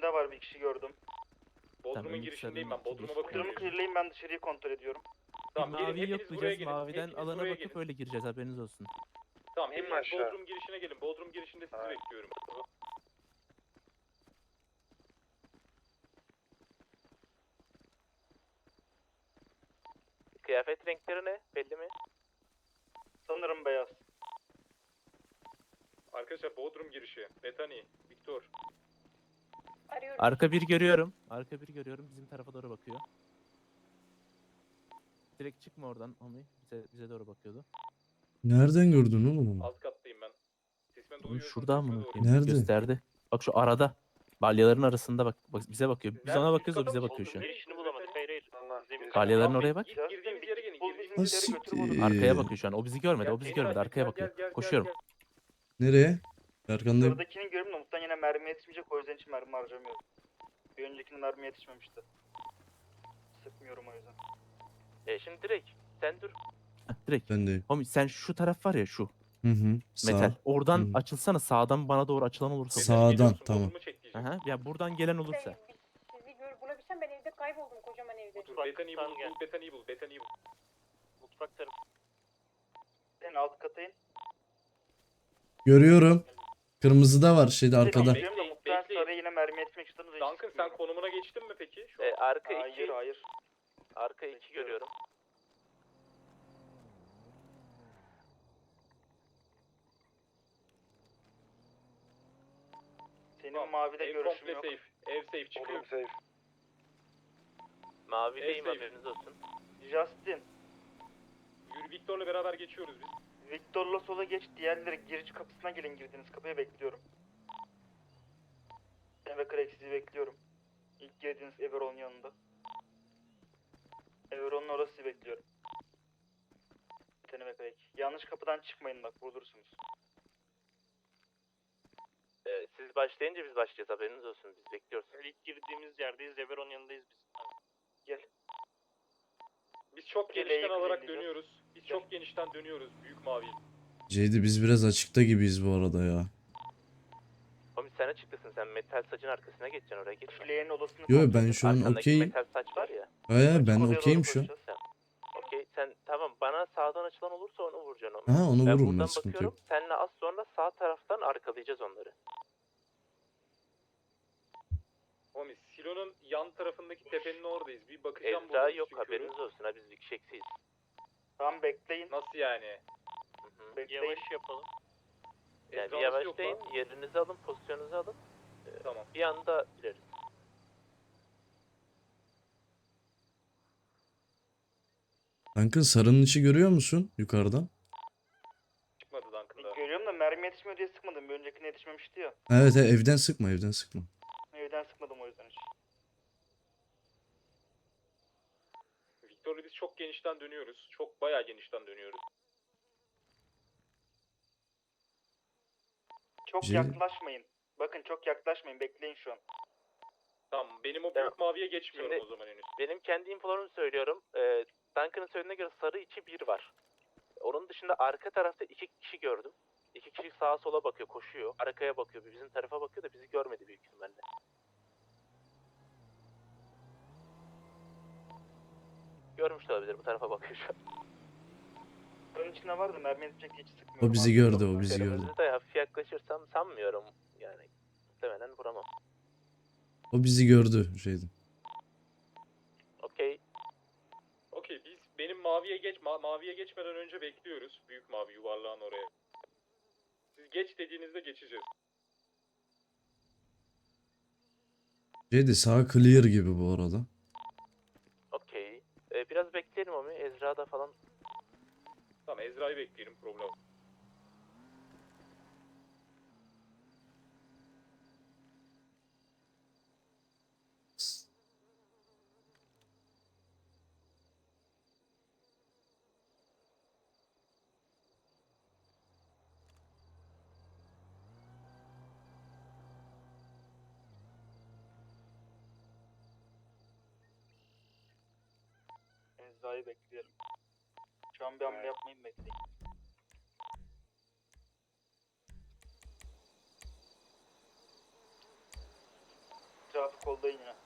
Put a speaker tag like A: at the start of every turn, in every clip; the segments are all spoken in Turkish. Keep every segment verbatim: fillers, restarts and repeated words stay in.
A: girişinde var, bir kişi gördüm.
B: Bodrum'un
C: Tamam,
B: girişindeyim ben.
C: sarının
B: Bodrum'a
C: girişi.
B: bakıyorum.
A: Bodrum'u clearlayın, ben dışarıyı kontrol ediyorum.
B: Tamam,
C: Bir
B: gelin,
C: maviyi
B: hepiniz buraya
C: yoklayacağız.
B: gelin.
C: Maviden
B: Hepiniz
C: alana
B: buraya
C: bakıp
B: gelin.
C: öyle gireceğiz, haberiniz olsun.
B: Tamam,
D: İn
B: hepiniz
D: aşağı.
B: Bodrum girişine gelin. Bodrum girişinde sizi
D: Hayır.
B: bekliyorum.
E: Kıyafet renkleri ne? Belli mi?
A: Sanırım beyaz.
B: Arkadaşlar Bodrum girişi. Bethany, Victor.
F: Arıyorum.
C: Arka bir görüyorum. Arka bir görüyorum. Bizim tarafa doğru bakıyor. Direkt çıkma oradan Ami. Bize, bize doğru bakıyordu.
G: Nereden gördün oğlum onu?
B: Alt kattayım ben. Sesime
C: Oğlum
B: duyuyorsunuz.
C: şurada
B: sesime
C: mı?
B: doğru.
C: bakayım?
G: Nerede?
C: Gösterdi. Bak şu arada. Balyaların arasında bak, bak bize bakıyor. Biz
B: Nerede?
C: ona
B: Üst
C: bakıyoruz, o
B: kata
C: bize
B: mı
C: bakıyor şu an.
B: çıktın?
E: Girişini bulamadık. Hayır hayır.
D: Allah.
E: Zemin-
C: Balyaların
B: Tamam,
C: oraya bak.
B: gir- Girdiğimiz yere gelin.
A: Bul
B: Girdiğimiz
A: bizim
G: Ha
A: yere götür bana.
G: siktir.
C: Arkaya bakıyor şu an. O bizi görmedi. O bizi
B: Gel,
C: görmedi.
B: gel,
C: Arkaya
B: gel,
C: bakıyor.
B: gel, gel,
C: Koşuyorum.
B: gel.
G: Nereye? Arkandayım.
A: Sıradakini görüyorum da muhtemelen yine mermi yetişmeyecek, o yüzden hiç mermi harcamıyorum. Bir öncekinin mermi yetişmemişti. Sıkmıyorum o yüzden.
E: E şimdi direkt. Sen dur.
C: Heh, direkt.
G: Bendeyim.
C: Homie sen şu taraf var ya şu.
G: Hı hı. Sağ.
C: Metal. Oradan
G: Hı.
C: açılsana, sağdan bana doğru açılan olursa.
G: Sağ.
B: Bethany,
G: Sağdan,
B: geliyorsun,
G: tamam.
B: Bodrum'u çek diyeceğim.
C: Aha, ya buradan gelen olursa.
F: Sizi gör, bulabilsem ben evde kayboldum, kocaman evde.
B: Dur, Bethany'yi
E: Mutfaktan
B: bul,
E: gel.
B: bul, Bethany'yi bul, Bethany'yi bul.
E: Mutfak tarafı.
A: En alt kata in.
G: Görüyorum. Kırmızı da var şeyde arkada.
B: Tamam,
A: Görüyorum da
B: bekleyin,
A: muhtemelen
B: bekleyin.
A: sarıya yine mermi yetişmek istiyorsanız hiç
B: Duncan sen
A: sıkmıyorum.
B: konumuna geçtin mi peki? Şu an.
E: E, arka
A: Hayır
E: iki.
A: hayır.
E: Arka iki
A: Bekliyorum.
E: görüyorum.
A: Senin
B: Tamam,
A: mavide
B: ev
A: görüşüm
B: komple
A: yok.
B: safe. Ev safe çıkıyor.
D: Bodrum safe.
E: Mavideyim,
B: Neyse.
E: haberiniz olsun.
A: Justin,
B: Yürü, Victor'la beraber geçiyoruz biz.
A: Victor'la sola geç, diğerleri girici kapısına gelin, girdiğiniz kapıya bekliyorum. Ben ve Craig sizi bekliyorum. İlk girdiğiniz Everon yanında. Everon'un orası bekliyorum. Seni ve Craig. Yanlış kapıdan çıkmayın bak, vurursunuz.
E: E, siz başlayınca biz başlayacağız, haberiniz olsun. Biz bekliyoruz.
H: İlk girdiğimiz yerdeyiz. Zeberon yanındayız biz.
A: Gel.
B: Biz çok
A: Geleği
B: genişten alarak
A: clearleyeceğiz.
B: dönüyoruz. Biz çok genişten dönüyoruz. Büyük mavi.
G: Ceydi biz biraz açıkta gibiyiz bu arada ya.
E: Homie sen açıktasın, sen metal saçın arkasına geçeceksin, oraya geçme.
A: Fleğin odasını
G: Yo
A: kontrol
G: ben
A: edin.
G: şu an
E: Arkandaki
G: okeyim.
E: metal saç var ya.
G: He ben
A: Açık odaya
G: okeyim
A: doğru
G: şu an.
A: koşacağız.
E: Okey sen tamam, bana sağdan açılan olursa onu vuracaksın onu.
G: Ha onu
E: Ben
G: vururum ben,
E: buradan
G: sıkıntı
E: bakıyorum,
G: yok.
E: seninle az sonra sağ taraftan arkalayacağız onları.
B: Homie, Silo'nun yan tarafındaki tepenin oradayız. Bir bakacağım bu
E: Ezra
B: arada
E: yok,
B: çünkü.
E: haberiniz olsun ha, biz bir kişi eksiyiz.
A: Tamam bekleyin.
B: Nasıl yani?
E: Hı hı.
A: Bekleyin.
H: Yavaş yapalım.
E: Yani bir
B: Ezra nasıl yok
E: yavaşlayın,
B: lan?
E: yerinizi alın, pozisyonunuzu alın.
B: Tamam.
E: Bir anda gireriz.
G: Duncan sarının içi görüyor musun yukarıdan?
B: Çıkmadı Duncan'da.
A: Görüyorum da mermi yetişmiyor diye sıkmadım. Bir öncekine yetişmemişti ya.
G: Evet, evet evden sıkma evden sıkma.
A: Evden sıkmadım o yüzden hiç.
B: Victor'la biz çok genişten dönüyoruz. Çok bayağı genişten dönüyoruz.
A: Çok
G: Cil-
A: yaklaşmayın. Bakın çok yaklaşmayın. Bekleyin şu an.
B: Tamam, benim o
E: Tamam.
B: büyük maviye geçmiyorum
E: Şimdi-
B: o zaman henüz.
E: Benim kendi infolarımı söylüyorum. Ee, Duncan'ın söylediğine göre sarı içi bir var. Onun dışında arka tarafta iki kişi gördüm. İki kişi sağa sola bakıyor, koşuyor. Arkaya bakıyor, bizim tarafa bakıyor da bizi görmedi büyük ihtimalle. Görmüş de olabilir, bu tarafa bakıyor şu an.
A: Bunun içinde vardı. Mermi yetişecek diye hiç sıkmıyorum.
G: O bizi
A: Abi.
G: gördü o bizi gördü.
E: Kırmızı da hafif yaklaşırsam sanmıyorum. Yani muhtemelen vuramam.
G: O bizi gördü şeydi.
E: Okey.
B: Okey, biz benim maviye geç ma- maviye geçmeden önce bekliyoruz. Büyük mavi yuvarlağın oraya. Siz geç dediğinizde geçeceğiz.
G: Ceydi sağ clear gibi bu arada.
E: Okey. Ee, biraz bekleyelim onu. Ezra'da falan.
B: Tamam, Ezra'yı bekleyelim, problem.
A: Ezra'yı bekleyelim. Şu an bir hamle yapmayın, bekleyin. Ezra hafif koldayın yine.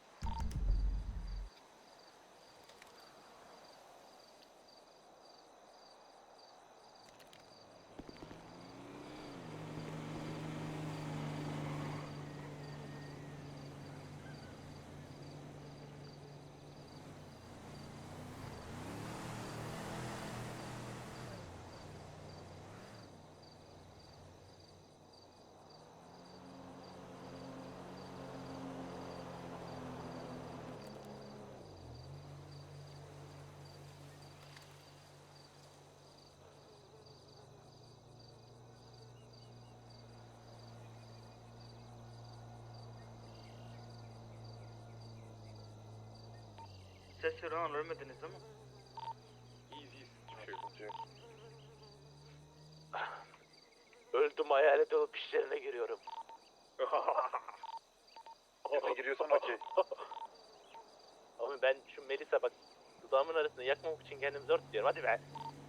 A: Ses verin ama ölmediniz değil mi?
B: İyiyiz iyiyiz. Hiçbir şey yok.
E: Öldüm, hayalet olup işlerine giriyorum.
B: Kime giriyorsun okey.
E: Ama ben şu Melisa bak, dudağımın arasında yakmamak için kendimi zor tutuyorum. Hadi be.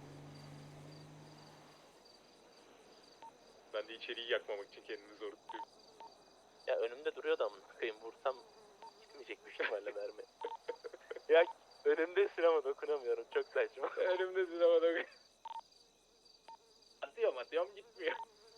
B: Ben de içeriği yakmamak için kendimi zor tutuyorum.
E: Ya önümde duruyordu amına koyayım, vursam gitmeyecek bir ihtimalle mermi. Ya önümdesin ama dokunamıyorum, çok saçma.
B: Önümde sinemada atıyorum atıyorum gitmiyor.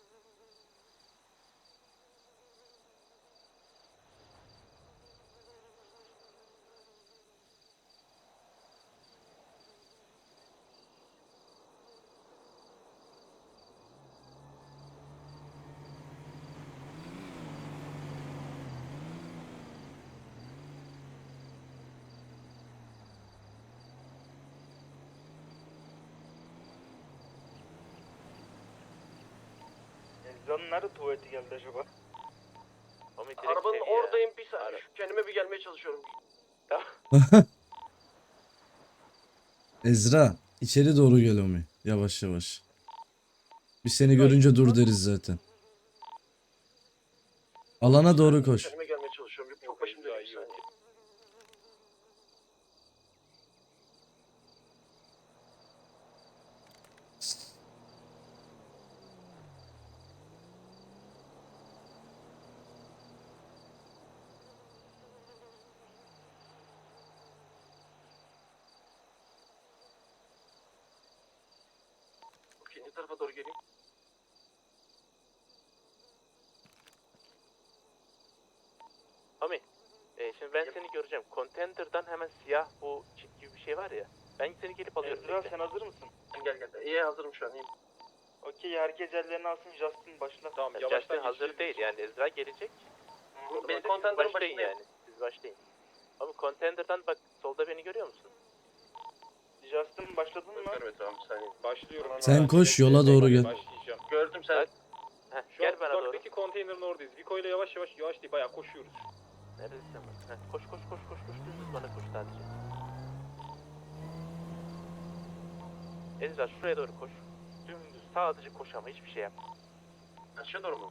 A: Ezra'nın nerede tuvaleti geldi acaba?
E: Ama direkt
D: Arabanın
E: şey ya.
D: oradayım, bir saniye.
E: Ara-
D: Şu kendime bir gelmeye çalışıyorum.
G: Ezra içeri doğru gel Omi. Yavaş yavaş. Biz seni görünce dur deriz zaten. Alana doğru koş.
D: Kendime gelmeye çalışıyorum. Çok başım dönüyor bir
B: Ezra iyi
D: saniye. Okey, ne tarafa doğru geleyim?
E: Mami, e, şimdi ben seni göreceğim. Contender'dan hemen siyah bu çit gibi bir şey var ya. Ben seni gelip alıyorum.
A: Ezra
E: bekle.
A: sen hazır mısın?
D: Gel gel. İyi, hazırım şu an, iyiyim.
A: Okey, herkes ellerini alsın, Justin başla.
B: Tamam
E: Ya
B: yavaştan
E: Justin hazır
B: geçeceğiz.
E: değil yani, Ezra gelecek.
D: Benim
E: Siz
D: contender'ın
E: başlayın
D: başındayım.
E: yani. Siz başlayın. Ama Contender'dan bak, solda beni görüyor musun?
A: Justin başladın mı?
D: Evet tamam, bir saniye.
B: Başlıyorum.
G: Sen koş, yola doğru gel.
B: Başlayacağım.
D: Gördüm sen.
E: Bak. Heh,
B: Şu
E: gel
B: an
E: bana doğru.
B: uzaktaki konteynerin oradayız. Vico ile yavaş yavaş yavaş değil bayağı koşuyoruz.
E: Neredesin bak? Heh, koş koş koş koş koş, dümdüz bana koş sadece. Ezra şuraya doğru koş. Dümdüz sadece koş ama hiçbir şey yapma.
D: Aşağı doğru mu?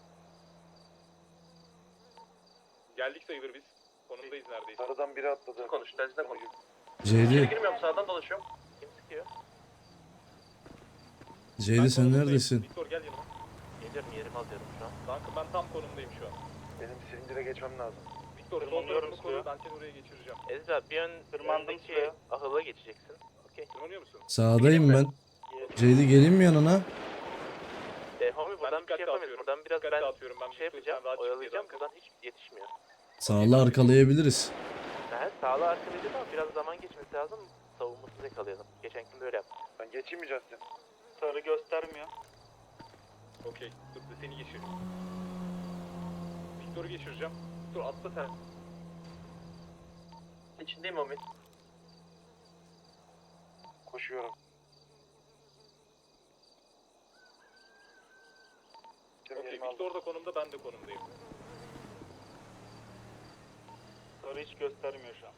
B: Geldik sayılır biz. Konumdayız neredeyse.
D: Aradan biri atladı. Konuş, telsizden konuş.
G: Ceydi,
D: İçeri girmiyorum, sağdan dolaşıyorum.
E: Kim sıkıyor?
G: Ceydi sen
B: konumdayım.
G: neredesin?
B: Victor gel yanıma.
E: Geliyorum, yerimi alıyorum şu an.
B: Kanka ben tam konumdayım şu an.
D: Benim silindire geçmem lazım.
B: Victor sol
A: Tırmanıyorum
B: tarafını koru,
A: suya.
B: ben seni oraya geçireceğim.
E: Ezra bir ön
A: Tırmandım
E: öndeki
A: suya.
E: ahıla geçeceksin. Okey.
B: Tırmanıyor musun?
G: Sağdayım ben. Ceydi geleyim mi yanına?
E: E, homie buradan bir
B: dikkat
E: şey yapamayız.
B: dağıtıyorum.
E: Buradan biraz
B: Dikkat
E: ben
B: dağıtıyorum. Ben
E: şey
B: Victor'u
E: yapacağım,
B: sen rahat çık diye
E: oyalayacağım.
B: dalga.
E: Buradan hiç yetişmiyor.
G: Sağla arkalayabiliriz.
E: Ha, sağla arkalayacağız ama biraz zaman geçmesi lazım. Savunmasız yakalayalım. Geçen gün böyle yaptık.
D: Ben geçeyim mi Justin?
A: Sarı göstermiyor.
B: Okey. Dur da seni geçireyim. Victor'u geçireceğim. Victor atla sen.
D: İçindeyim Omi. Koşuyorum.
B: Okey. Victor da konumda, ben de konumdayım.
A: Sarı hiç göstermiyor şu an.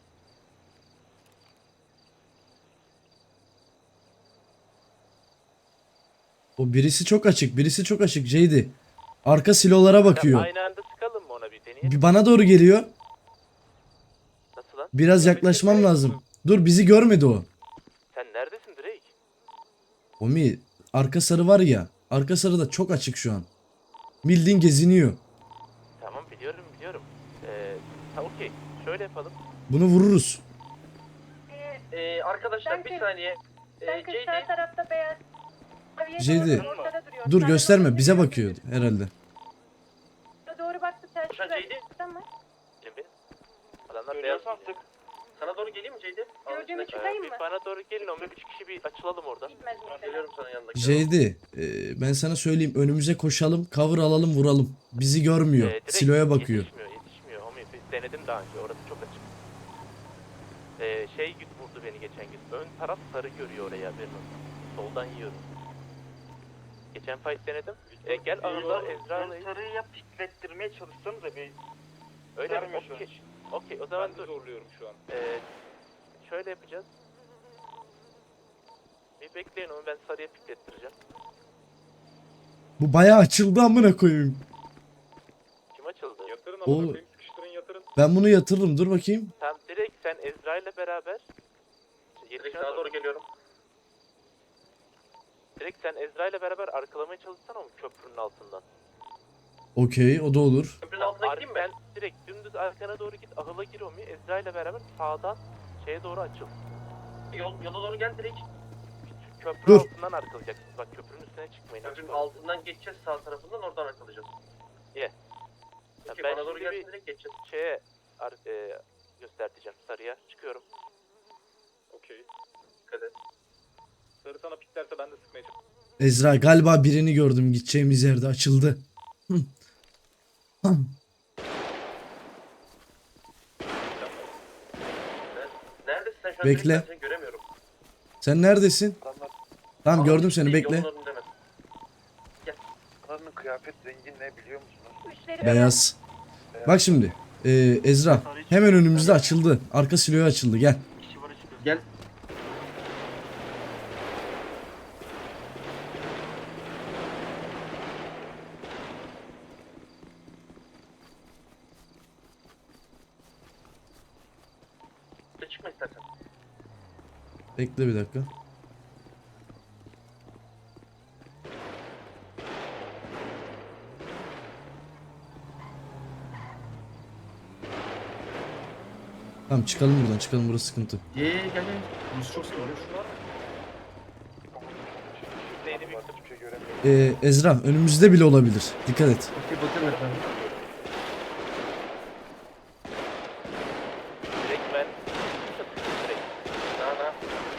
G: O birisi çok açık, birisi çok açık Ceydi. Arka silolara bakıyor.
E: Aynı anda sıkalım mı ona bir deneyelim?
G: Bir bana doğru geliyor.
E: Nasıl lan?
G: Biraz yaklaşmam lazım. Dur, bizi görmedi o.
E: Sen neredesin Drake?
G: Omi, arka sarı var ya. Arka sarı da çok açık şu an. Bildiğin geziniyor.
E: Tamam biliyorum biliyorum. Ee, Ha okey. Şöyle yapalım.
G: Bunu vururuz.
F: Ee,
D: Ee, arkadaşlar bir
F: Duncan,
D: saniye. Ee,
F: Duncan
D: J
F: sağ
D: D
F: tarafta beyaz. Maviye
G: J D,
F: doğru ortada duruyor.
G: Dur
F: Sağa
G: gösterme,
F: doğru
G: bize
F: gidiyor.
G: bakıyor herhalde.
F: Sağa doğru baktı ters
D: Koşan
F: şuraya.
D: J D.
F: Tamam.
E: Benim benim. Adamlar beyaz
A: Görüyorsan
E: giyiyor.
A: sık.
D: sana doğru geleyim mi J D?
F: Gördüğümü
E: Ee,
F: çıkayım
E: bir
F: mı?
E: bana doğru gelin o üç kişi bir açılalım oradan.
F: Gitmez
D: Ben
F: muhtemelen.
D: geliyorum sana yanındaki.
G: J D, e, ben sana söyleyeyim, önümüze koşalım, cover alalım, vuralım. Bizi görmüyor.
E: Ee, direkt
G: Siloya bakıyor.
E: Yetişmiyor, yetişmiyor. Homie, biz denedim daha önce, orası çok açık. Ee, şey vurdu beni geçen gün. Ön taraf sarı görüyor oraya haberin olsun. Soldan yiyorum. Geçen fight denedim. Ee, gel arada Ezra'yla...
A: Ön sarıyı yap piklettirmeye çalışsanız da bir
E: Öyle mi?
A: vermiyor şu an.
E: Okey. Okey, o zaman
B: Ben de
E: dur.
B: zorluyorum şu an.
E: Ee, şöyle yapacağız. Bir bekleyin onu, ben sarıya piklettireceğim.
G: Bu bayağı açıldı amına koyayım.
E: Kim açıldı?
B: Yatırın
G: O-
B: amına koyayım, sıkıştırın yatırın.
G: Ben bunu yatırırım, dur bakayım.
E: Tamam, direkt sen Ezra ile beraber...
D: Direkt
E: Yetişene
D: sana doğru geliyorum.
E: Direkt sen Ezra ile beraber arkalamaya çalışsana o köprünün altından.
G: Okey, o da olur.
D: Köprünün altına
E: Ar-
D: gideyim mi?
E: Sen direkt dümdüz arkana doğru git, ahıla gir Omi. Ezra ile beraber sağdan şeye doğru açıl.
D: Yol, yola doğru gel direkt.
E: Köprü
G: Dur.
E: altından arkalayacaksınız. Bak köprünün üstüne çıkmayın.
D: Köprünün
E: açık olun.
D: altından geçeceğiz sağ tarafından oradan arkalayacağız.
E: Ya
D: Okey,
E: ben
D: bana doğru
E: şimdi
D: gelsin
E: bir
D: direkt geçeceğiz.
E: şeye ar- e, göstereceğim sarıya. Çıkıyorum.
B: Okey.
D: Dikkat et.
B: Sarı sana piklerse ben de sıkmaya çalışıyorum.
G: Ezra, galiba birini gördüm, gideceğimiz yerde açıldı. Hı. Hı.
D: Neredesin sen şu an?
G: Bekle.
D: Direkt ben seni göremiyorum.
G: Sen neredesin?
D: Adamlar
G: Tamam, gördüm seni,
D: değil,
G: bekle.
D: yolun önünde mi? Gel. Adamın kıyafet rengi ne biliyor musunuz?
F: Üstleri
G: Beyaz. Bak şimdi, e, Ezra, hemen önümüzde açıldı. Arka siloya açıldı, gel.
A: kişi var çıkıyor.
D: Gel. Çıkma istersen.
G: Bekle bir dakika. Tamam, çıkalım buradan, çıkalım, burası sıkıntı.
D: Ye ye gel gel. Burası çok sıkıntı.
E: Neydi büyük
D: Hiçbir şey göremiyorum.
G: Ee, Ezra, önümüzde bile olabilir. Dikkat et.
D: Okey bakın efendim.
E: Direkt ben... Direkt.
D: Daha daha.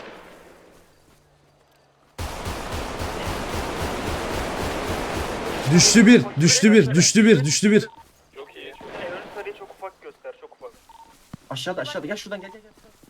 G: Düştü bir, düştü bir, düştü bir, düştü bir.
B: Çok iyi. Çok
A: Yani ön sarıyı çok ufak göster, çok ufak.
D: Aşağıda aşağıda gel şuradan gel gel gel.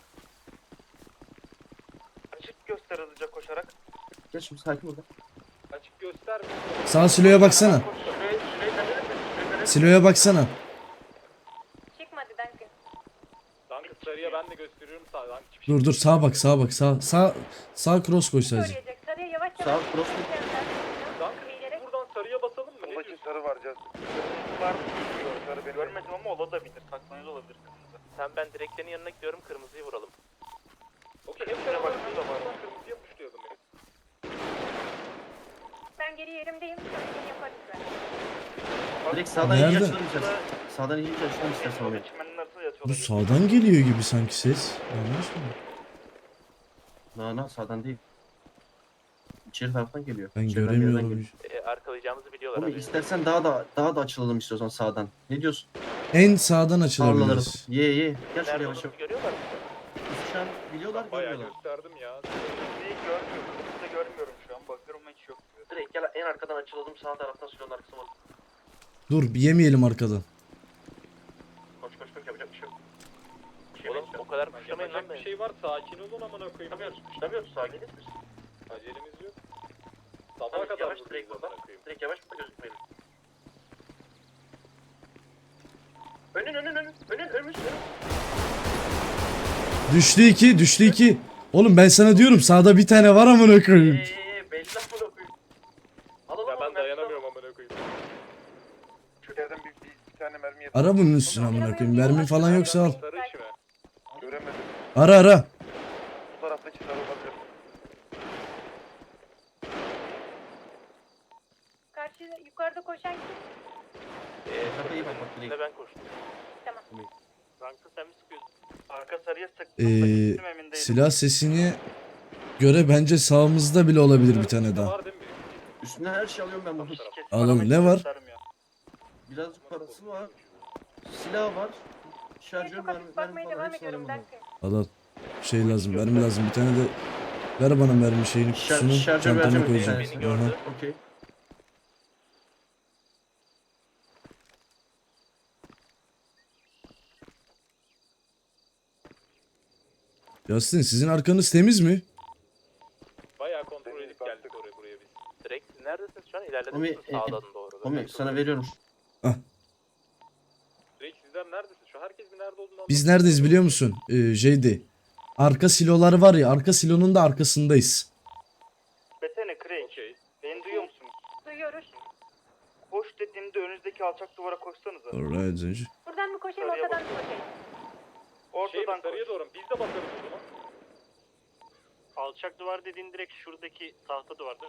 A: Açık göster hızlıca koşarak.
D: Gel şimdi sakin ol. lan.
B: açık gösterme.
G: Sağ siloya baksana.
D: Şuraya şuraya kadar mı? Şuraya kadar.
G: Siloya baksana.
F: çıkmadı Duncan.
B: Dank sarıya ben de gösteriyorum sağdan. Hiçbir şey
G: Dur dur, sağa bak, sağa bak, sağ, sağ, sağ cross koy sadece.
F: Söyleyecek. Sarıya yavaş
D: Sağ
F: yavaş.
D: cross.
B: Dank
F: Eğilerek.
B: buradan sarıya basalım mı? Ne
D: Soldaki
B: diyorsun?
D: sarı var Caz.
A: Var mı bilmiyorum. Sarı benim görmedim ama olabilir. Saklanıyor da olabilir.
E: Sen ben direklerin yanına gidiyorum, kırmızıyı vuralım.
B: Okey hep
A: Şuraya
B: beraber
A: bak, şurada var.
B: buradan kırmızıya puşlayalım ya.
F: Ben geri yerimdeyim. Sarıyı yaparız ben.
D: Direkt sağdan
G: Nerede?
D: iyice açalım istersen. Sağdan iyice açalım istersen oraya.
A: Çimenin arasında yatıyor
G: Bu
A: olabilir.
G: sağdan geliyor gibi sanki ses. Yanlış mı?
D: Na na sağdan değil. İçeri taraftan geliyor.
G: Ben
D: İçeriden bir yerden
G: göremiyorum.
D: geliyor.
E: E, arkalayacağımızı biliyorlar.
D: Oğlum
E: haberin
D: istersen daha da daha da açılalım istiyorsan sağdan. Ne diyorsun?
G: En sağdan
D: Tarlalarım.
G: açılabiliriz.
D: Ye ye. Gel
E: Nerede
D: şuraya yavaş yavaş.
E: olduğumuzu görüyorlar mı?
D: Biz şu an biliyorlar
B: Bayağı
D: görmüyorlar.
B: gösterdim ya.
A: Kırmızıyı görmüyorum. Kırmızı görmüyorum şu an. Bakıyorum hiç yok.
D: Direkt gel en arkadan açılalım sağ taraftan silonun arkasına bak.
G: Dur, bir yemeyelim arkadan.
D: Koş koş koş yapacak bir şey yok. Bir şey
E: Oğlum
D: yapacak.
E: o kadar kuşlamayın lan
B: Yapacak bir
E: beni.
B: şey var sakin olun amına koyayım.
D: Kuşlamıyoruz kuşlamıyoruz sağa gelir misin?
B: Acelemiz yok. Sabaha
D: Tamam,
B: kadar
D: yavaş
B: buradayız
D: direkt
B: amına
D: oradan.
B: koyayım.
D: Direkt yavaş burada gözükmeyelim. Önün önün önün önün önümüz önün.
G: Düştü iki, düştü iki. Oğlum ben sana diyorum, sağda bir tane var amına koyayım.
D: Eee belli amına koyayım. Al al al.
B: Ya ben
D: al,
B: dayanamıyorum amına koyayım.
D: Şu yerden bir, bir, bir tane mermi yap.
G: Ara bunun üstüne amına koyayım. Mermi falan yoksa al.
B: Sarı işi mi?
D: Göremedim.
G: Ara ara.
D: Bu taraftaki sarı olabilir.
F: Karşı yukarıda koşan kim?
E: E,
D: Tarafa iyi bak bak direkt.
E: ben koştum.
F: Tamam.
H: Rankı sen mi sıkıyorsun?
A: Arka sarıya sıktım
G: Ee,
A: da gittim emin değilim.
G: Silah sesine göre bence sağımızda bile olabilir bir tane daha.
B: Var değil mi?
I: Üstüne her şey alıyorum ben bunu.
A: Kesin
G: Alalım,
A: arama
G: ne var?
A: göstermiyor.
I: Birazcık parası var. Silah var. Şarjör
F: Çok
I: mermi,
F: hafif
I: mermi
F: bakmaya
I: falan
F: devam
I: hepsini
F: ediyorum
I: alıyorum
F: Duncan.
G: Al al. Şey lazım, mermi lazım. Bir tane de ver bana mermi şeyini,
I: Şar-
G: kutusunu
I: şarjör
G: çantama
I: vereceğim bir
G: koyacağım.
I: tanesini.
E: Beni gördü.
G: Aha.
I: Okey.
G: Justin sizin arkanız temiz mi?
B: Bayağı kontrol edip geldik oraya buraya biz.
E: Direkt siz neredesiniz şu an? İlerlediniz
I: Omi,
E: mi
I: e,
E: sağdan doğru?
I: Omi sana veriyorum.
B: Direkt sizler neredesiniz? Şu an herkes bir nerede olduğunu
G: Biz
B: anlamıyor.
G: neredeyiz biliyor musun? Ee, J D. Arka silolar var ya, arka silonun da arkasındayız.
A: Betene Craig.
B: Okey.
A: Beni duyuyor musunuz?
F: Duyuyoruz.
A: Koş dediğimde önünüzdeki alçak duvara koşsanıza.
G: Alright Zenci.
F: Buradan mı koşayım
A: Sarıya
F: ortadan mı
A: bak.
F: koşayım?
B: Şey mi,
A: Ortadan koş.
B: sarıya doğru mu? Biz de bakarız o zaman.
H: Alçak duvar dediğin direkt şuradaki tahta duvarda.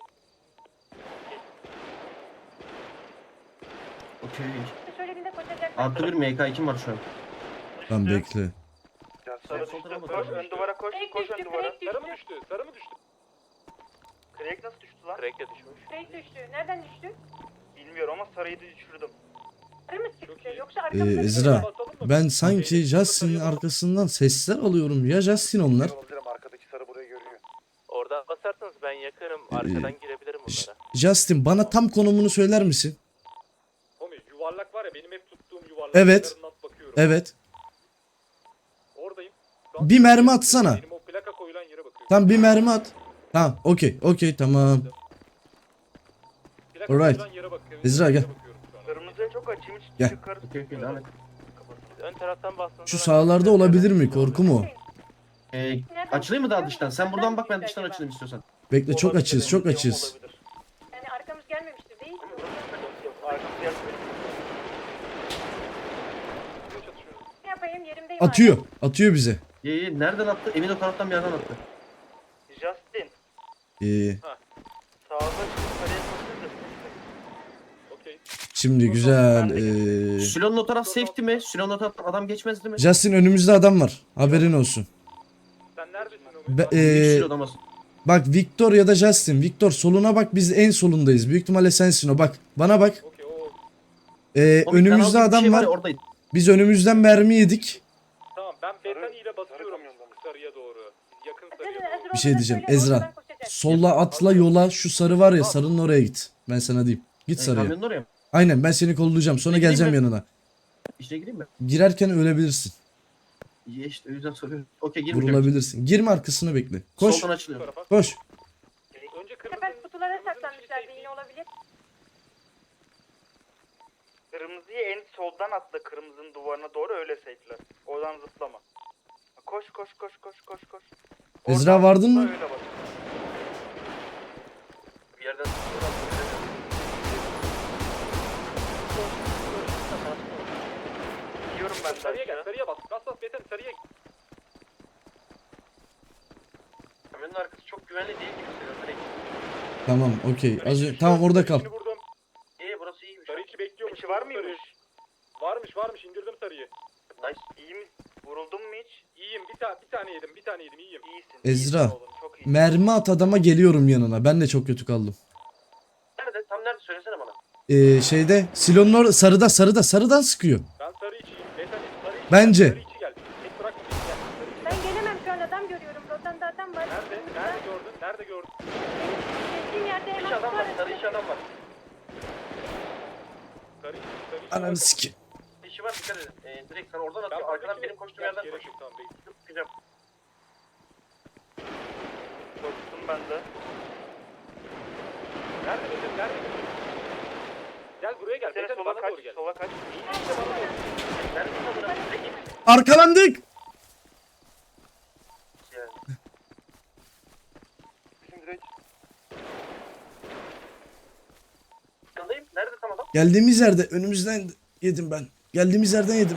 I: Okey.
F: Söylediğinde koşacaklar.
I: Artı bir M K iki var şu an.
G: Tamam bekle.
A: Sarı
I: Sol
A: düştü.
I: tarafa
A: Koş
I: bak.
A: ön duvara koş.
F: Craig
A: Koş
F: düştü,
A: ön duvara.
F: Craig
B: Sarı mı
F: düştü.
B: düştü? Sarı mı düştü?
A: Craig nasıl düştü lan?
E: Crack de düşmüş.
F: Craig düştü. Nereden düştü?
A: Bilmiyorum ama sarıyı da düşürdüm.
F: Sarı mı
B: Çok
F: çıktı?
B: iyi.
F: Yoksa
G: Ee,
F: arkamızda bir
G: Ezra.
F: şey var.
B: Basalım mı?
G: Ben sanki
B: Okey.
G: Justin'in
B: Sarıya bak.
G: arkasından sesler alıyorum. Ya Justin onlar.
D: Olabilirim, arkadaki sarı burayı görüyor.
E: Oradan basarsanız ben yakarım. Arkadan girebilirim
G: Ş-
E: bunlara.
G: Justin bana tam konumunu söyler misin?
B: Omi yuvarlak var ya benim hep tuttuğum yuvarlak.
G: Evet.
B: Kenarından bakıyorum.
G: Evet.
B: Oradayım. Şu an
G: Bir mermi atsana.
B: Benim o plaka koyulan yere bakıyorum.
G: Tam bir mermi at. Tamam okey okey tamam.
B: Plaka
G: Alright.
B: koyulan yere bakıyorum.
G: Ezra, gel.
B: Bakıyorum şu an.
A: Kırmızıya çok açayım hiç
G: Gel.
A: yukarı
I: Okey okey devam et.
E: Siz ön taraftan bastığınızda...
G: Şu
E: ben-
G: sağlarda olabilir mi? Korku mu?
I: Ee, açılayım mı daha dıştan? Sen buradan bak ben dıştan açılayım istiyorsan.
G: Bekle çok
A: Olabilir,
G: açız çok
A: emin değilim,
G: açız.
A: olabilir.
F: Yani arkamız gelmemiştir değil mi?
A: Arkamız gelmedi.
F: Ne yapayım yerimdeyim
G: Atıyor. Atıyor bize.
I: İyi iyi. Nereden attı? Emin o taraftan bir yerden attı.
A: Justin.
G: Ee,
A: Sağda şimdi sarıya koşunca.
B: Okey.
G: şimdi güzel. Ee,
I: Silonun o taraf safety mi? Silonun o taraftan adam geçmez değil mi?
G: Justin önümüzde adam var. Haberin olsun.
B: Sen neredesin Omi?
G: Be-
I: Bir
G: ee,
I: silodan bas.
G: bak Victor ya da Justin. Victor soluna bak biz en solundayız. Büyük ihtimalle sensin o. Bak bana bak.
B: Okey o.
G: Ee,
I: O bir
G: önümüzde
I: kanal gibi bir
G: adam
I: şey
G: var.
I: ya, oradaydı.
G: Biz önümüzden mermi yedik.
B: Tamam ben Bethany ile basıyorum
D: kamyonda mı?
B: sarıya doğru. Biz yakın
F: Ezra,
B: sarıya
F: Ezra
B: doğru.
G: Bir şey
F: orada
G: diyeceğim.
F: söyle,
G: Ezra.
F: oradan koşacak.
G: Solla atla yola şu sarı var ya sarının oraya git. Ben sana diyeyim. Git
I: Ee,
G: sarıya.
I: kamyonun oraya mı?
G: Aynen ben seni kollayacağım. Sonra
I: Gideyim
G: geleceğim
I: mi?
G: yanına.
I: İşte gireyim mi?
G: Girerken ölebilirsin.
I: İyi işte o yüzden soruyorum. Okey girmeyeceğim.
G: Vurulabilirsin. Girme arkasına bekle. Koş.
I: Soldan açılıyor.
B: Bu tarafa.
G: Koş.
B: Önce
F: Bu
B: kırmızı.
F: sefer kutulara saklanmışlardı yine olabilir.
A: Kırmızıyı en soldan atla kırmızının duvarına doğru öyle safe'ler. Oradan zıplama. Koş koş koş koş koş koş.
G: Ezra,
A: Oradan
G: vardın
A: zıpla,
G: mı?
A: öyle bak.
I: Bir yerden
A: Gidiyorum ben de
B: Sarıya gel
A: aşağı.
B: sarıya bas. Bas bas Bethany sarıya.
I: kamyonun arkası çok güvenli değil gibi hissediyorum. Direkt.
G: Tamam okey. Az önce- tamam orada kal.
B: İçini vurdum.
I: İyi burası iyiymiş.
B: Sarı iki bekliyormuş.
A: İçi var
B: Sarıyı.
A: mıymış?
B: Varmış varmış indirdim sarıyı.
I: Nice.
A: İyi mi? Vuruldun mu hiç?
B: İyiyim bir, ta bir tane yedim bir tane yedim iyiyim.
A: İyisin.
G: Ezra.
A: iyisin oğlum, çok iyi.
G: Mermi at adama geliyorum yanına. Ben de çok kötü kaldım.
I: Nerede? Tam nerede? Söylesene bana.
G: Ee, şeyde silonun orada sarıda sarıda sarıdan sıkıyor.
B: Ben sarı içiyim. Bethany sarı içi
G: Bence.
B: gel. Sarı içi gel. Tek bırakma beni gel. Sarı içi.
F: Ben gelemem şu an adam görüyorum. Rotanda adam var.
B: Nerede? Nerede gördün? Nerede gördün?
F: Geçtiğim yerde
I: Sarı
F: hemen
I: iş adam var.
F: kutu
I: Sarı
F: arası.
I: iş adam var.
B: Sarı içi. Sarı içi.
G: Ananı siki.
I: İşi var dikkat edin. Ee, direkt sana oradan
B: Ben
I: atıyor. Arkadan
B: buradakini-
I: benim koştuğum
B: Gel,
I: yerden
B: gerek
I: koş.
B: yok, tamam, bekle.
I: Çıkacağım.
A: Koştum ben de.
B: Nerede Bethany? Nerede? Gel buraya gel.
A: Seni
B: Bethany
A: sola
B: bana
A: kaç,
B: doğru gel.
A: sola kaç.
I: Nerede tam burası? Direkt git.
G: Arkalandık.
I: Yani.
D: Bizim direkt
I: Yanındayım. Nerede tam adam?
G: Geldiğimiz yerde önümüzden yedim ben. Geldiğimiz yerden yedim.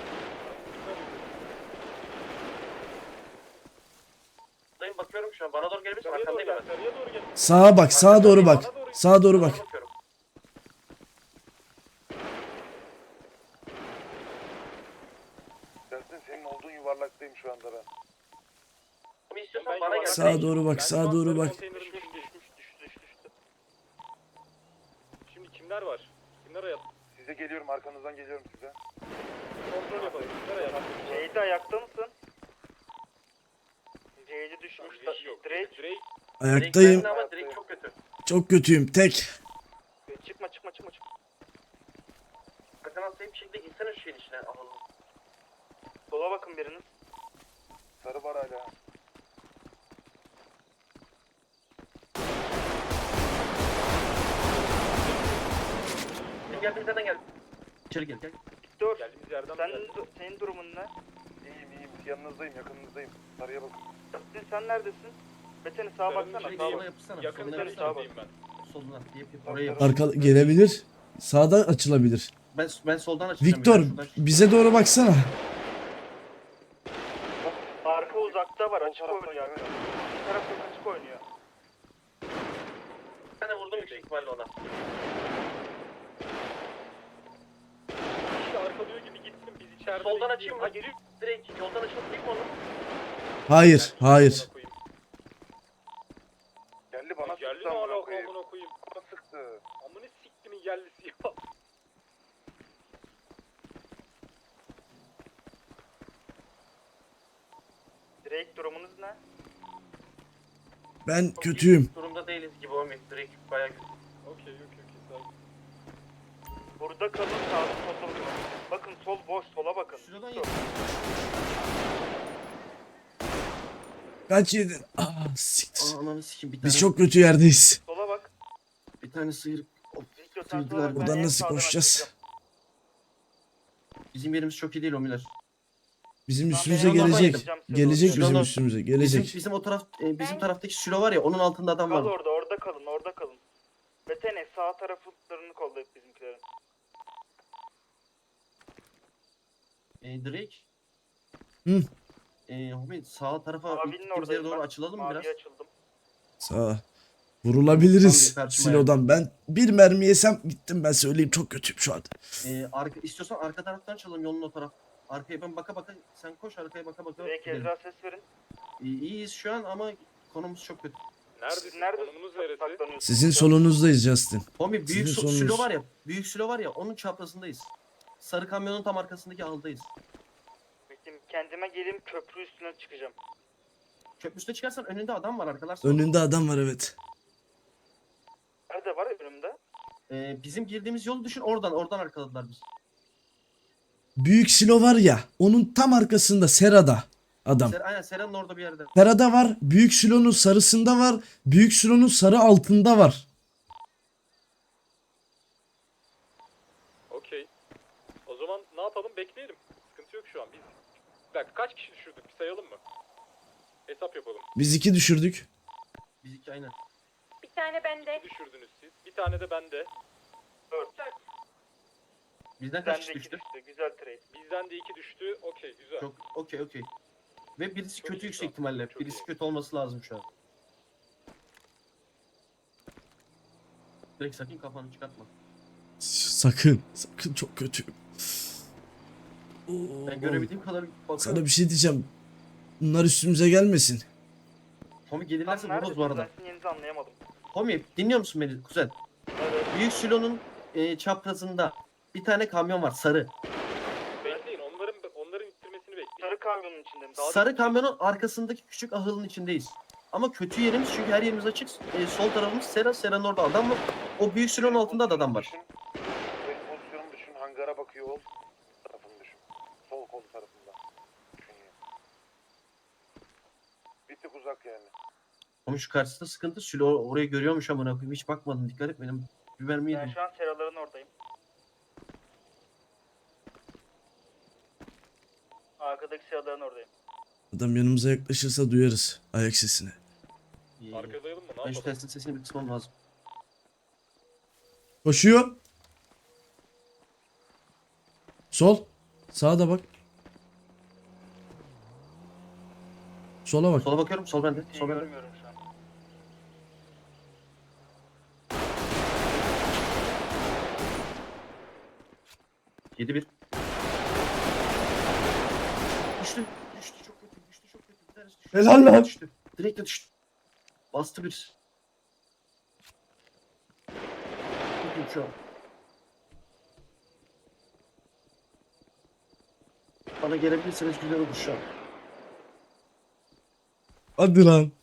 I: Dayım bakıyorum şu an. Bana doğru gelebilirsin.
B: Sarıya doğru
I: Arkandayım
B: gel.
I: hemen.
B: Sarıya doğru gel.
G: Sağa bak sağa doğru bak. Sağa doğru bak.
I: Bana bakıyorum.
D: gelsin. Senin olduğun yuvarlaktayım şu anda ben.
I: Tommy istiyorsan
B: Ben
I: bana gel.
B: yuvarlak-
G: Sağa doğru bak,
B: Ben
G: sağa
B: şu an
G: doğru
B: sarı
G: bak.
B: konteynerin
A: Düşmüş
B: içindeyim.
A: düşmüş düştü düştü düştü.
B: Şimdi kimler var? Kimler hayat?
D: Size geliyorum, arkanızdan geliyorum size.
B: Kontrol yapalım. Kimler hayat?
A: C'de ayakta mısın? C'de düşmüş.
B: Bir şey yok.
A: Drake.
B: Drake.
G: Ayaktayım.
I: Drake ama Drake çok kötü.
G: Çok kötüyüm. Tek.
A: Çıkma çıkma çıkma çıkma.
I: Bakın atlayıp bir şekilde gitsene şu şeyin içine. Alalım.
A: Sola bakın biriniz.
D: Sarı var hala.
I: Gel gel gel. İçeri gel gel.
A: Dur.
B: Geldiğimiz yerden
A: Sen,
B: mi geldik?
A: du- senin durumun ne?
D: İyiyim iyiyim. Yanınızdayım, yakınınızdayım. Sarıya bakın.
A: Sen, sen neredesin? Beteni sağa
B: Sarının
A: baksana.
B: içindeyim.
A: Sağa
I: Sola
A: bak.
I: yapışsana.
B: Yakın
I: Soluna
B: sarı
I: yapışsana.
B: içindeyim ben.
I: Soluna. Yap yap. Oraya yap.
G: Arka gelebilir. Sağdan açılabilir.
I: Ben, ben soldan açacağım.
G: Victor
I: ya, şuradan-
G: bize doğru baksana.
A: Arka uzakta var.
D: Sol
A: Açık
D: tarafta,
A: oynuyor.
D: evet.
A: Bir taraf çok açık oynuyor.
I: Ben de vurdum yüksek ihtimalle ona.
B: İşte arkalıyor gibi gitsin biz içeride.
I: Soldan
B: de
I: açayım mı?
B: Ha geliyor.
I: Direkt yoldan açılıp değil mi onu?
G: Hayır, hayır.
B: Amına koyayım.
D: Geldi bana
B: Geldi
D: sıktı
B: mi
D: amına
B: hala
D: koyayım.
B: amına koyayım.
D: Bana sıktı.
B: Amına siktimin yerlisi ya.
A: Drake durumunuz ne?
G: Ben kötüyüm.
I: Durumda değiliz gibi o Direkt bayağı kötü.
B: Okey okey okey sağ ol.
A: Burada kalın sağda solda bakın. Bakın sol boş sola bakın.
I: Şuradan
A: Sol.
I: yap.
G: Kaç yedin? Aa, siktir.
I: Aa, ananı sikeyim bir tane.
G: Biz çok kötü yerdeyiz.
A: Sola bak.
I: Bir tane sıyırıp. Of,
A: Victor sen sola
I: Sıyırdılar
A: bak.
I: buradan
A: ben en
G: Buradan nasıl
A: sağdan
G: koşacağız?
A: açılacağım.
I: bizim yerimiz çok iyi değil Omiler.
G: Bizim
A: Ben
G: üstümüze
A: en sağdan
G: gelecek.
A: açılacağım size
G: Gelecek
A: doğru.
G: bizim
I: Şuradan-
G: üstümüze.
I: Bizim,
G: Gelecek.
I: bizim o taraf e, bizim
F: Ben-
I: taraftaki sülo var ya onun altında adam
A: Kal
I: var.
A: orada orada kalın orada kalın. Betene sağ taraflarını kollayıp bizimkilerin.
I: E, Drake.
G: Hı.
I: E, Homi sağ tarafa
A: Mavinin
I: gittiğimiz
A: oradayım
I: yere doğru
A: ben.
I: açılalım mı
A: Maviye
I: biraz?
A: açıldım.
G: Sağ. Vurulabiliriz.
I: Tamam, karşıma
G: Silo'dan. Ben bir mermi yesem gittim, ben söyleyeyim, çok kötüyüm şu anda.
I: E, arka, istiyorsan arka taraftan çalalım yolun o taraf. Arkaya ben baka baka sen koş arkaya baka baka.
A: Drake
I: gidelim.
A: Ezra ses verin.
I: E, iyiyiz şu an ama konumuz çok kötü.
B: Neredesin?
A: Nerede
B: Konumuz neresi?
A: saklanıyorsunuz?
G: Sizin solunuzdayız Justin.
I: Homi büyük
G: Sizin
I: so-
G: sonunuz.
I: sülo var ya. Büyük sülo var ya onun çaprazındayız. Sarı kamyonun tam arkasındaki ahıldayız.
A: Bekleyin, kendime geleyim köprü üstüne çıkacağım.
I: Köprü üstüne çıkarsan önünde adam var arkalar.
G: Önünde adam var, evet.
A: Nerede var önümde?
I: E, bizim girdiğimiz yolu düşün oradan oradan arkaladılar biz.
G: Büyük silo var ya, onun tam arkasında Serada adam.
I: Ser, aynen Sera'nın orada bir yerde.
G: Serada var, büyük silonun sarısında var, büyük silonun sarı altında var.
B: Okey. O zaman ne yapalım? Bekleyelim. Sıkıntı yok şu an. Biz bir dakika kaç kişi düşürdük? Bir sayalım mı? Hesap yapalım.
G: Biz iki düşürdük.
I: Biz iki aynen.
F: Bir tane bende.
B: Bir düşürdünüz siz. Bir tane de bende.
A: Dört.
I: Bizden
A: Ben
I: kaç
A: de
I: kişi
A: iki
I: düştü?
A: düştü. Güzel trade.
B: Bizden de iki düştü. Okey güzel.
I: Çok okey okey. Ve birisi
B: Çok
I: kötü
B: iyi
I: yüksek
B: şu an.
I: ihtimalle.
B: Çok
I: Birisi
B: iyi.
I: kötü olması lazım şu an. Direkt sakın kafanı çıkartma.
G: Sakın, sakın, çok kötüyüm. Oo,
I: Ben görebildiğim kadar bakıyorum.
G: Sana bir şey diyeceğim. Bunlar üstümüze gelmesin.
I: Homi
A: Tam
I: gelirlerse vururuz bu
A: neredesiniz?
I: arada.
A: Ben sizin yerinizi anlayamadım.
I: Homi dinliyor musun beni kuzen?
A: Evet.
I: Büyük silonun e, çaprazında bir tane kamyon var sarı.
B: Bekleyin. Onların onların ittirmesini bekleyin.
A: Sarı kamyonun içinde mi?
I: Sarı kamyonun arkasındaki küçük ahılın içindeyiz. Ama kötü yerimiz çünkü her yerimiz açık. E, sol tarafımız Sera, Sera'nın orada adam var. O büyük silonun altında da adam var.
D: Düşün. Benim pozisyonumu düşün. Hangara bakıyor ol. Tarafını düşün. Sol kol tarafında. Düşün yani. Bir tık uzak yani.
I: Ama şu karşısında sıkıntı. Silo orayı görüyormuş amına koyayım. Hiç bakmadım dikkat et benim. Bir mermi
A: Ben
I: yedim.
A: şu an seraların oradayım. Arkadaki seraların oradayım.
G: Adam yanımıza yaklaşırsa duyarız ayak sesini.
I: İyi.
B: Arkadayalım mı? Ne
I: Ben şu
B: yapalım?
I: testin sesini bir kısmam lazım.
G: Koşuyor. Sol. Sağa da bak. Sola bak.
I: Sola bakıyorum. Sol bende.
A: İyi
I: Sol bende.
A: görmüyorum şu an.
I: yedi bir. düştü. Düştü çok kötü. Düştü çok kötü. Bir tanesi düştü.
G: Helal
I: Direkt de
G: lan.
I: Düştü. Direkt de düştü. Bastı bir. Bakayım şu an. Bana gelebilirseniz güzel olur şu an.
G: Hadi lan.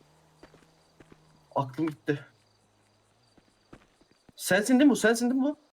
I: Aklım gitti. Sensin değil mi bu? Sensin değil mi bu?